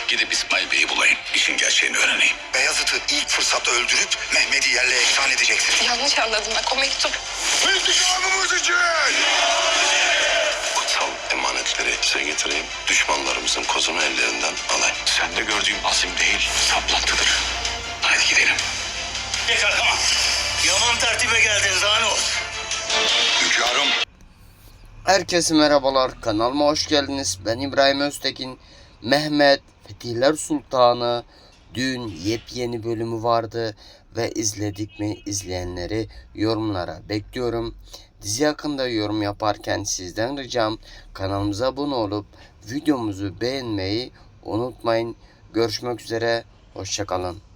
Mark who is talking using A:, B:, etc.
A: Gidip İsmail Bey'i bulayım. İşin gerçeğini öğreneyim.
B: Beyazıt'ı ilk fırsatta öldürüp Mehmet'i yerle eksan edeceksin.
C: Yanlış anladım bak, o mektup.
B: İntikamımız için!
D: Kutsal emanetleri size getireyim. Düşmanlarımızın kozunu ellerinden alayım.
A: Sen de gördüğüm azim değil, saplantıdır. Hadi gidelim.
E: Yeter tamam. Yaman tertibe geldiniz daha ne olsun.
B: Hünkârım.
F: Herkese merhabalar, kanalıma hoş geldiniz. Ben İbrahim Öztekin. Mehmet Fetihler Sultanı dün yepyeni bölümü vardı ve izledik mi, izleyenleri yorumlara bekliyorum. Dizi hakkında yorum yaparken sizden ricam kanalımıza abone olup videomuzu beğenmeyi unutmayın. Görüşmek üzere, hoşça kalın.